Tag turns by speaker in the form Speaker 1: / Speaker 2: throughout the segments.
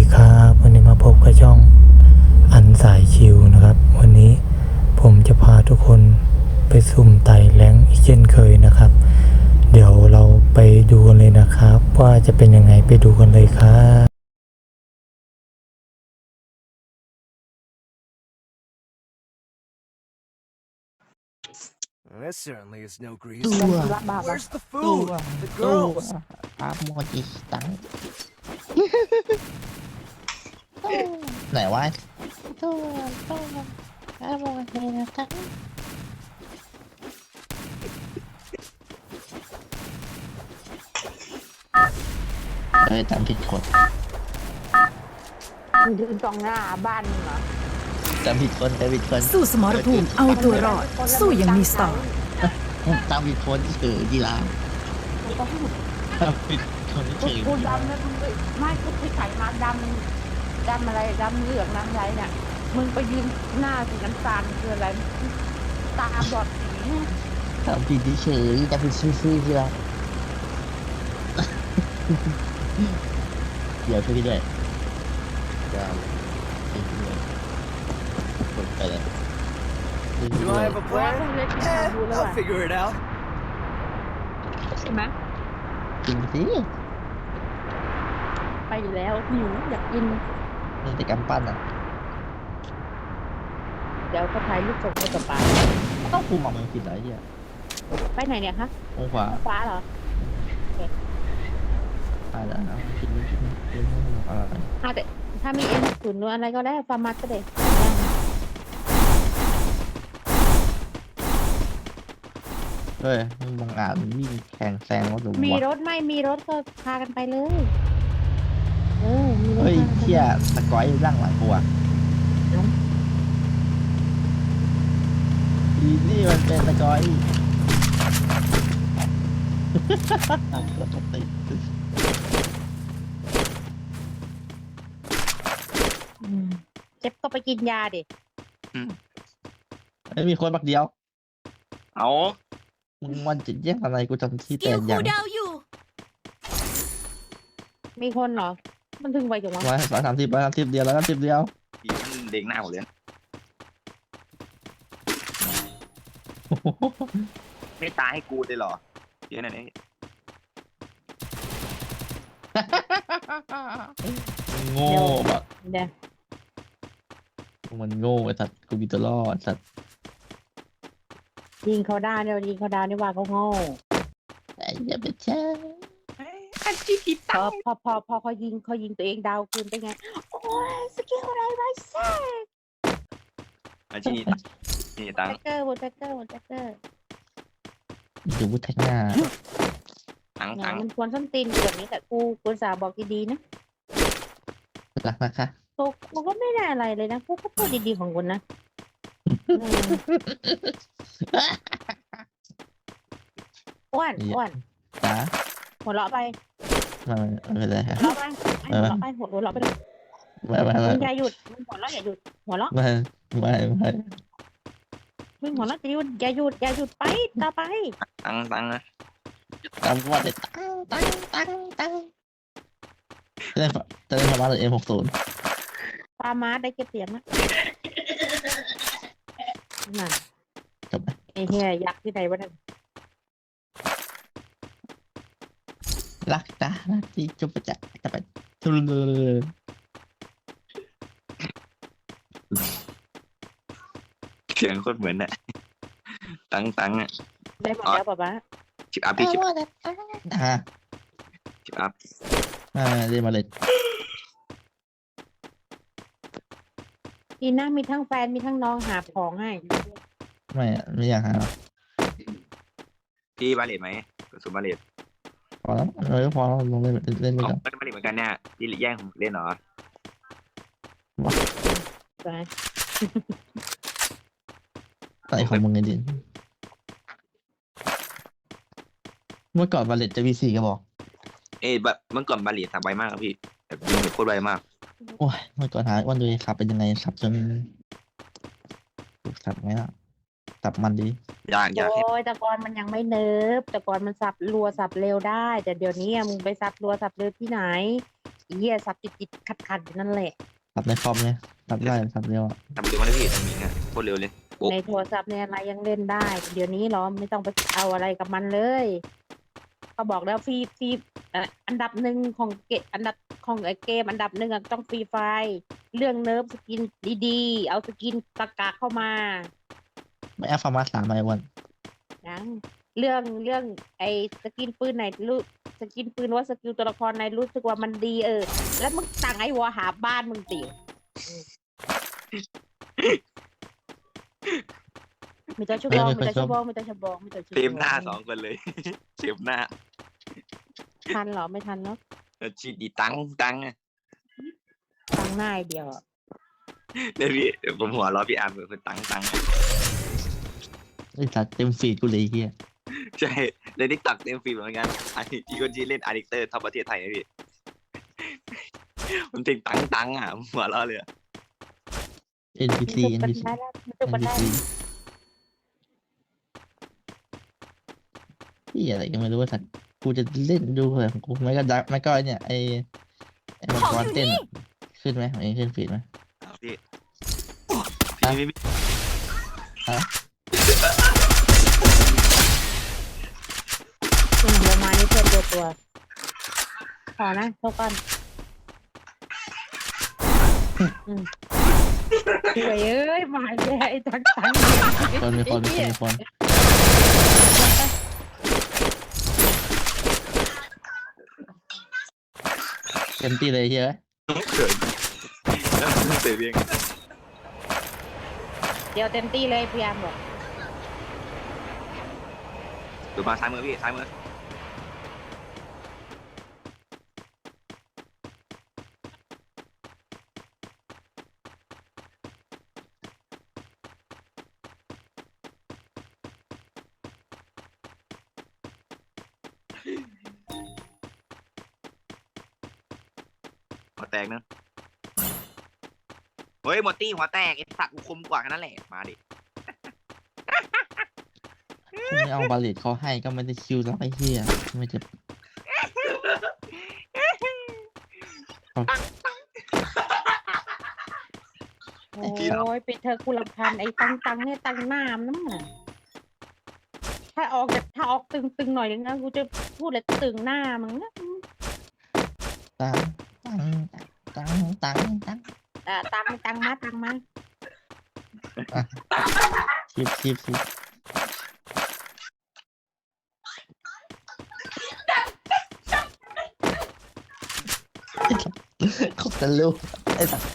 Speaker 1: ครับวันนี้มาพบกับช่องอันสายชิวนะครับวันนี้ผมจะพาทุกคนไปสุ่มไต่แรงอีกเช่นเคยนะครับเดี๋ยวเราไปดูกันเลยนะครับว่าจะเป็นยังไงไปดูกันเลยครับ
Speaker 2: This certainly is no grease.
Speaker 3: ตัว
Speaker 2: Where's the
Speaker 3: ตัว
Speaker 2: food? The
Speaker 3: ตัว
Speaker 2: girls.
Speaker 3: อาโมจิตังไหนวะตัวอาโมจิตังจำผิดคน
Speaker 4: มันยืนตรงหน้าบ้านมึงเหรอ
Speaker 3: จำผิดคน
Speaker 5: สู้สมรภูมิเอาตัวรอด สู้อยังมีสไตล์
Speaker 3: จำผิดคนเฉยกีฬาจำผิดคนเฉย
Speaker 4: กูดำนะมึงไม่กูไปใส่มาดำอะไรดำเหลืองดำอะไรเนี่ยมึงไปยืนหน้าสีน้ำตาลคืออะไรตาบอดสีเนี่ย
Speaker 3: จำผิดเฉยจำผิดซื่อกีฬาเดี๋ยวช่วยพี่ด้วยเดี๋ยวช่วยพี่ด้วยกดไปเลย
Speaker 2: Do I have a
Speaker 4: ว่า
Speaker 2: plan?
Speaker 4: เพิ่งเล่นที่มาดูแล้ว
Speaker 2: I'll
Speaker 4: อ่ะ
Speaker 2: figure it out.
Speaker 4: ใช่ไหม
Speaker 3: จริงสิ
Speaker 4: ไปอยู่แล้วหิวอยากกิน
Speaker 3: มันเป็นกำปั้นอ่ะ
Speaker 4: เดี๋ยวก็ถ่ายรูปส่งไปกับป้า
Speaker 3: ต้องคุมมันผิดอะไรเนี่ย
Speaker 4: ไปไหนเนี่ยคะ
Speaker 3: องขวา
Speaker 4: ฟ้าเหรอ
Speaker 3: ไปแล้วผิดอะไร
Speaker 4: แต่ถ้ามีเอ็มศูนย์อะไรก็ได้ฟาร์มัสก็ได้
Speaker 3: เฮ้ยมึงบังอาจวิ่งแข่งแซงรถหรือ
Speaker 4: มี
Speaker 3: วะ
Speaker 4: รถไม่มีรถก็พากันไปเลยมีรถ
Speaker 3: เฮ้ย
Speaker 4: พากันไป
Speaker 3: เชี่ยตะก้อยร่างหลังกูอ่ะอีนี่มันเป็นตะก้อย
Speaker 4: เจ็บก็ไปกินยาดิ
Speaker 3: ไม่มีคนบักเดียว
Speaker 6: เอา
Speaker 3: มึงมันจะแย่งอะไรกูจำที่
Speaker 5: กิ
Speaker 3: แต่
Speaker 5: ล
Speaker 3: อ
Speaker 5: คู
Speaker 3: ย่าง
Speaker 5: ดาวอยู่
Speaker 4: มีคนเหรอ มันถึงไปจังวะ
Speaker 3: 130เดียว130เดียว
Speaker 6: อีมันเด็กหน้าหมดเลยนะไม่ตายให้กูเลยเหรอเยอะหน่อยนี่
Speaker 3: โง่แบบ
Speaker 4: เดี๋ยว
Speaker 3: มันโง่ไอ้สัตว์กูมีตัวรอดสัตว์
Speaker 4: ยิงเขาได้เดี๋ยวยิงเขาได้นี่ว่าเขาโง่
Speaker 3: ไอ้เหี้ยเป็นใช่
Speaker 6: อันที่ผิด
Speaker 4: พอเขายิงตัวเองดาวคืนไปไง โอ้ยสกิลอะไรไรแซ่บ
Speaker 6: อันที่นี่ตัง
Speaker 4: แท็กเกอร์บนแท็กเกอร์
Speaker 3: ดูวุฒิหน้า
Speaker 6: ตัง
Speaker 4: เนี่ย
Speaker 6: ตัง
Speaker 4: มันควรส้นตีนแบบนี้แต่กูสาบอกดีๆนะ
Speaker 3: รักนะคะ
Speaker 4: กูก็ไม่ได้อะไรเลยนะกูก็พูดดีๆของคุณนะอ้วน
Speaker 3: จ้า
Speaker 4: หัวเราะไป
Speaker 3: ไม่เป็นไรครับ
Speaker 4: หัวเราะไปหัวเราะไปหัวเราะไปเลย
Speaker 3: ไม่
Speaker 4: มึงอย่าหยุดมึงหัวเราะอย่าหยุดหัวเราะ
Speaker 3: ไม่
Speaker 4: มึงหัวเราะอย่าหยุดไปต่อไป
Speaker 6: ตังตังนะ
Speaker 3: ตามว่าเลยตั้งจะเล่นประมาณM60
Speaker 4: ปามาได้เก็บเสียงนะนั่น
Speaker 3: จบไหม
Speaker 4: ไอ้เหี้ยยักษ์ที่ไหนวะนั่น
Speaker 3: รักจ้ารักที่จบไปจะไปทุเรศ
Speaker 6: เสียงโคตรเหมือนน่ะตังตังอ่ะ
Speaker 4: ได้หมดแล้วป๊าป๊า
Speaker 6: ชิปอัพพี่ชิป
Speaker 3: ฮะ
Speaker 6: ชิปอัพ
Speaker 3: เรียนมาเลย
Speaker 4: ทีหน้ามีทั้งแฟนมีทั้งน้องหาของให้
Speaker 3: ไม่อยากหา
Speaker 6: พี่บาเลตไหมกระสุนบาเลต
Speaker 3: พอแล้วพอแล้วลงเล่นไป
Speaker 6: เอา
Speaker 3: ก่อน
Speaker 6: ไม่บาเลตเหมือนกันเนี่ยพี่แย่งผมเล่นเหรอ
Speaker 4: ไป
Speaker 3: ใส่ของมึงไงดิเมื่อก่อนบาเลตจะมี4กระบอก
Speaker 6: แบบเมื่อก่อนบาเลตสับไวมากครับพี่แบบยิงแบบโคตรไวมาก
Speaker 3: โอ้ยเมื่อก่อนหาวันดูขับเป็นยังไงขับจนสับไหมล่ะสับมันดี
Speaker 6: ยากยาก
Speaker 4: โอ้ยแต่ก่อนมันยังไม่เนิร์ฟแต่ก่อนมันสับรัวสับเร็วได้ แต่เดี๋ยวนี้มึงไปสับรัวสับเร็วที่ไหนเหี้ยสับติดขัดอยู่นั่นแหละ
Speaker 3: สับในคอมเนี่ยสับได้สับเร็วอะ
Speaker 6: ทำเร็วมากเลยพี่ทำอย่างเงี้ยโคตรเร็วเลยโอ้
Speaker 4: ในโทรศัพท์เนี่ยอะไรยังเล่นได้ เดี๋ยวนี้เหรอไม่ต้องไปเอาอะไรกับมันเลย เขาบอกแล้วฟรีอันดับหนึ่งของอันดับของไอเกมอันดับหนึ่งอะต้องฟรีไฟล์เรื่องเนิร์ฟสกินดีๆ เอาสกินกากาเข้ามา
Speaker 3: ไม่เอาฟาร์มา3มาวัน
Speaker 4: นะเรื่องไอสกินปืนไหนรู้สกินปืนว่าสกิลตัวละครไหนรู้สึกว่ามันดีแล้วมึงสั่งไอ้วัวหาบ้านมึงติมีตัวชั่วโมงมีตัวชั่วโมงมีตัวชั่วโมงมีตัวชั่วโมง
Speaker 6: เต็มหน้า2 คนเลย เต็มหน้า
Speaker 4: ทันเหรอไม่ทันเนาะ
Speaker 6: แล้วชีดีตังอะ
Speaker 4: ตั้งหน้าเดียวอะ
Speaker 6: เดี๋ยวพี่เดี๋ยวผมหัวเราะพี่อาร์มเหมือนคนตัง
Speaker 3: ไอ้สัตว์เต็มฟีดกูเลยไอ้เฮีย
Speaker 6: ใช่ในทิกตอกเต็มฟีดเหมือนกันอันนี้อีกคนที่เล่นอาร์ดิเตอร์ท็อปประเทศไทยนะพี่ มันติงตังอ่ะผมหัวเราะเลยอะ
Speaker 3: NPC
Speaker 4: มัน
Speaker 3: NPC
Speaker 4: ได้แล้วมันได้
Speaker 3: NPC พี่อะไรก็ไม่รู้ว่าสัตว์กูจะเล่นดูอะไรของกูไม่ก็ดักไม่ก็ไอ้เนี่ยไอ้มังกรเต้นอะขึ้นไหมของเองขึ้นฟีดไหม
Speaker 6: เอาพี่
Speaker 3: ฮะ
Speaker 6: พี่
Speaker 3: ฮะ
Speaker 4: ลงมานี่เพื่อนตัวพอนะเท่ากันสวยเอ้ยมาแย่ไอ้ตัง
Speaker 3: คนมีคนเต็มที่เลยเฮีย
Speaker 6: เขินแล้วเสียเพียง
Speaker 4: เดี๋ยวเต็มที่เลยพยายามบอก
Speaker 6: ดูมาซ้ายมือพี่ซ้ายมือหัวแตกนะเฮ้ยหมดตี้หัวแตกไอ้สัตว์กูคมกว่าแค่นั้นแหละมาดิ
Speaker 3: ไม่เอาบาเลตเขาให้ก็ไม่ได้คิวแล้วไอ้เฮียไม่จะ
Speaker 4: โอ้ยปิดเธอกูรำคาญไอ้ตังเนี่ยตังน้ำนั่นน่ะถ้าออกตึงหน่อยนึงนะกูจะพูดเลยตึงหน้ามึงนะ
Speaker 3: ตัง
Speaker 4: ตังมา
Speaker 3: ชิบเขาจะรู้ไอ้สัส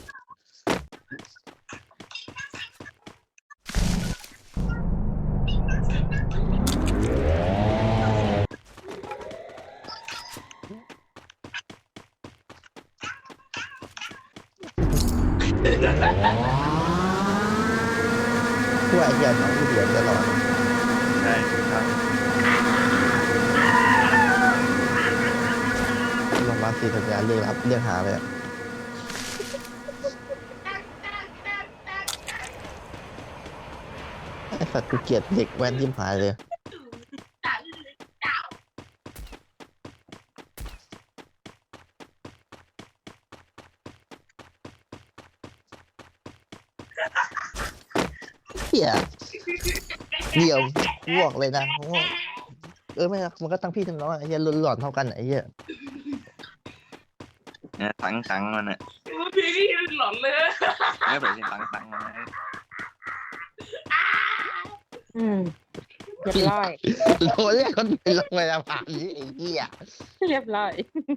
Speaker 3: ช่วยไอ้เหี้ยน้องกูเดือดตลอด
Speaker 6: ใช่ครับ
Speaker 3: ลงมาสีสัญญาเรียกหาเลยอะไอ้สัตว์กูเกลียดเด็กแว้นยิ้มหายเลยเหี้ยเดี๋ยวกูบอกเลยนะไม่นะมันก็ตั้งพี่ทั้งน้องอะไอ้เหี้ยหลอนเท่ากันอะไอ้เหี้ย
Speaker 6: เนี่ยตังมันอ่ะ
Speaker 7: พี่หลอนเลย
Speaker 6: ไม่เป็นเสียงตังมันนะ
Speaker 4: เรียบร้อย
Speaker 3: โอ้ยคนเป็นโรงพยาบาลนี่ไอ้เหี้ย
Speaker 4: เรียบร้อย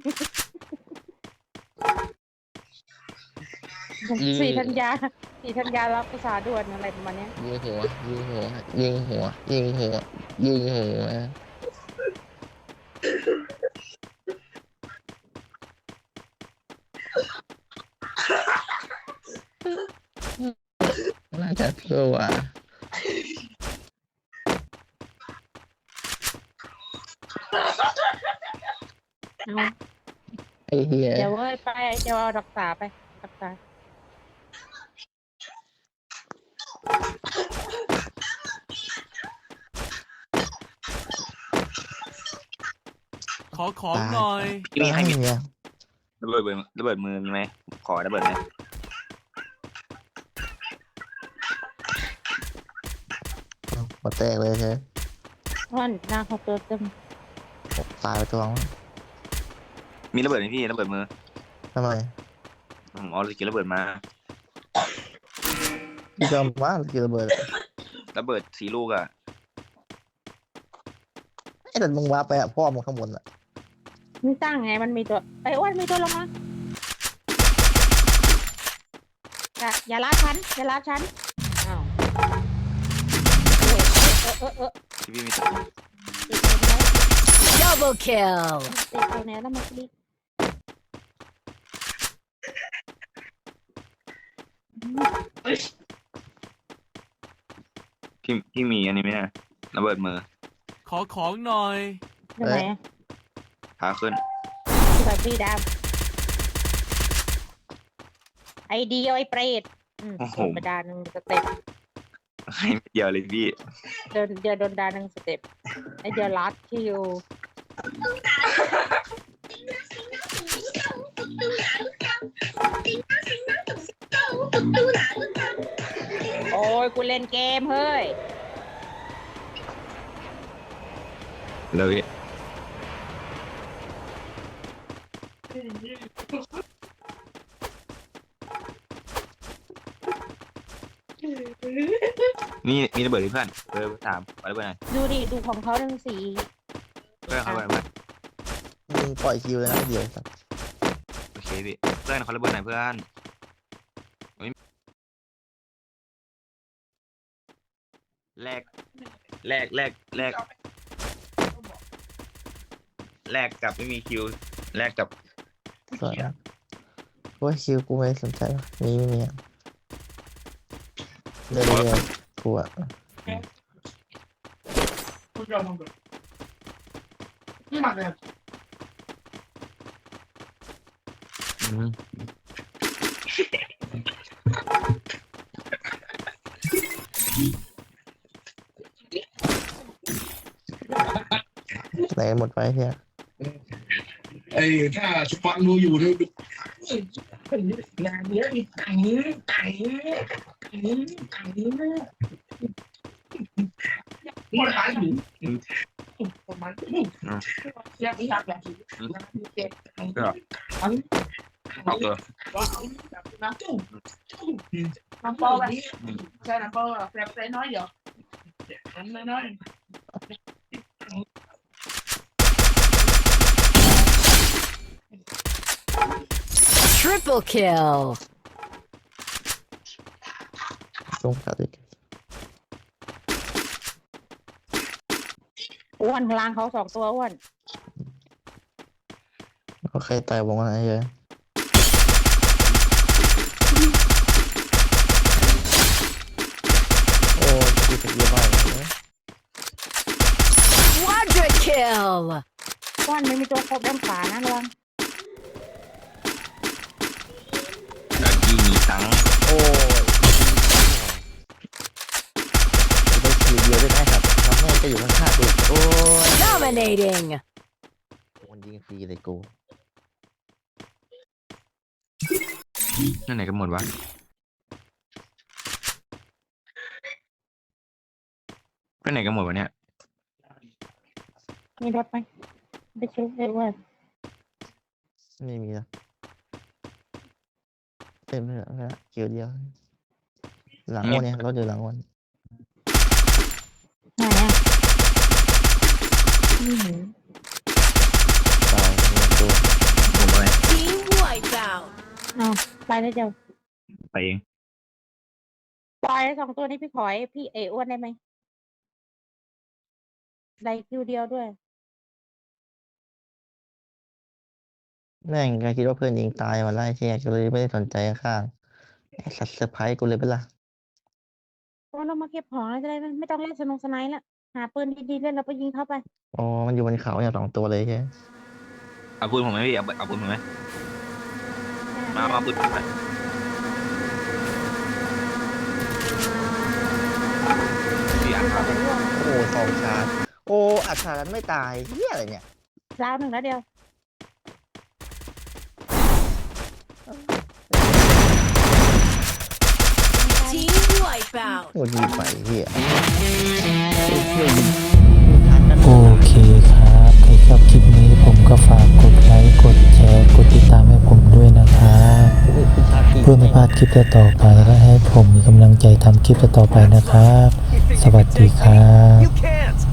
Speaker 4: สี่ธัญญารับภาษาด่วนอะไรประมาณเนี้ย
Speaker 3: ยิงหัวน่าจะเพื่อว่าไอ้เหี้ย
Speaker 4: เดี๋ยวเว้ยไปเดี๋ยวเอารักษาไปรักษา
Speaker 2: ขอของหน่อย
Speaker 6: มีให้มี
Speaker 3: เนี่ย
Speaker 6: ระเบิดมือมีไหมขอระเบิดหน่อย
Speaker 3: หัวแตกเลยใช่ไหม
Speaker 4: อ้วนหน้าเขาน์เตัวเต็ม
Speaker 3: ตายไปตัวนึง
Speaker 6: มีระเบิดไหมพี่ระเบิดมือ
Speaker 3: ทำไม
Speaker 6: ผมเอาสกิลระเบิดมา
Speaker 3: พี่จอมว่าสกิลระเบิด
Speaker 6: ระเบิด4 ลูกอ่ะ
Speaker 3: ไอ้แต่มึงว่าไปอะพ่อมึงข้างบนอะ
Speaker 4: มันตั้งไงมันมีตัวไอ้อ้วนมีตัวลงมาอย่าลาดฉันอย่าลาดฉันอ้าว
Speaker 6: ที่พี่มี
Speaker 4: ติดตัวไหน
Speaker 5: Double kill.
Speaker 4: ติดตัวไหนแล้วมาคลิก
Speaker 6: พี่มีอันนี้ไหมเนี่ยระเบิดมือ
Speaker 2: ขอของหน่อย
Speaker 4: ยังไงอะ
Speaker 6: พาขึ้น
Speaker 4: แบบพี่ดาวไอเดียวไอเปรตโดนไปดาหนึ่งสเต็ป
Speaker 6: ให้เดียวเลยพี่
Speaker 4: เดี๋ยวโดนดาหนึ่งสเต็ปไอเดียวลัดคิวโอ้ยกูเล่นเกมเฮ้ย
Speaker 6: เลยนี่มีระเบิดที่เพื่อนถามขอระเบิดหน่อย
Speaker 4: ดูดิดูของเขาหนึ่งสี
Speaker 6: เพื่อนเขาระเบิด
Speaker 3: มึงปล่อยคิวเลยนะเดี๋ยวสัก
Speaker 6: โอเคพี่เพื่อนเขาระเบิดหน่อยเพื่อนแลกกับไม่มีคิวแลกกับ
Speaker 3: สวยนะโอ้ยคิวกูไม่สนใจวะมีไม่มีอะเรื่อยๆกูอะ
Speaker 6: อืม
Speaker 3: ไหนหมดไปเฮีย
Speaker 8: ไอ้ถ้าสปอนดูอยู่ดูงานเนี้ยมีไก่มันขายอยู่ประมาณอยากเก็บ
Speaker 6: เอาตัว
Speaker 8: น้ำโป้แบบใช่น้ำโป้แบบใส่น้อยเดียวน้อย
Speaker 5: Triple kill.
Speaker 3: ลงกัดอีก
Speaker 4: อ้วนพลางเขา2 ตัวอ้วน
Speaker 3: โอเคตายวงอะไรเยอะโอ้ยสกิลบ้าเลย
Speaker 5: Quadra kill.
Speaker 4: อ้วนไม่มีตัวครบด้านขวานะระวัง
Speaker 6: แล้วที่มีทั้ง
Speaker 3: โอ้ยได้คิวเดียวได้ไหมครับทำให้จะอยู่ข้างๆกูโอ้ย
Speaker 5: Dominating.
Speaker 3: มันยิงฟรีเลยกู
Speaker 6: นั่นไหนกันหมดวะไปไหนกันหมดวะเนี่ย
Speaker 4: มีรถไหมไปชุบเลยอ้วน
Speaker 3: ไม่มีแล้วเต็มเลยนะคิวเดียว หลังวันเนี่ยรถอยู่หลังวัน
Speaker 4: ไหนอ่ะไม่เห็น
Speaker 3: ตายมีตัว
Speaker 6: ผมไป
Speaker 5: Team wipeout.
Speaker 4: เอาไปแล้วเจ้า
Speaker 6: ไปเอง
Speaker 4: ปล่อย2 ตัวนี้พี่ขอยพี่อ้วนได้ไหมได้คิวเดียวด้วย
Speaker 3: แม่งก็คิดว่าเพื่อนยิงตายมาไล่เชี่ยก็เลยไม่ได้สนใจข้างๆไอ้สัตว์เซอร์ไพรส์กูเลยเป็นล่ะ
Speaker 4: เพราะเรามาเก็บของแล้วจะได้ไม่ต้องเล่นสไนด์ละหาปืนดีๆเล่นแล้วไปยิงเข้าไป
Speaker 3: อ๋อมันอยู่บนเขาอย่าง2 ตัวเลยใช่ไหม
Speaker 6: เอาปืนผมไหมพี่เอาปืนผมไหมมาปืนผมไหมพี่อ่านครับ
Speaker 3: โอ้2 ชาร์จโอ้อัดชาร์จไม่ตายเฮียอะไรเนี่ย
Speaker 4: ดาว 1 แล้วเดียว
Speaker 5: out.
Speaker 3: โอ้ยไปเฮีย
Speaker 1: โอเคครับใครชอบคลิปนี้ผมก็ฝากกดไลค์กดแชร์กดติดตามให้ผมด้วยนะครับเพื่อไม่พลาดคลิปต่อไปและให้ผมมีกำลังใจทำคลิปต่อไปนะครับ สวัสดีครับ
Speaker 2: You can't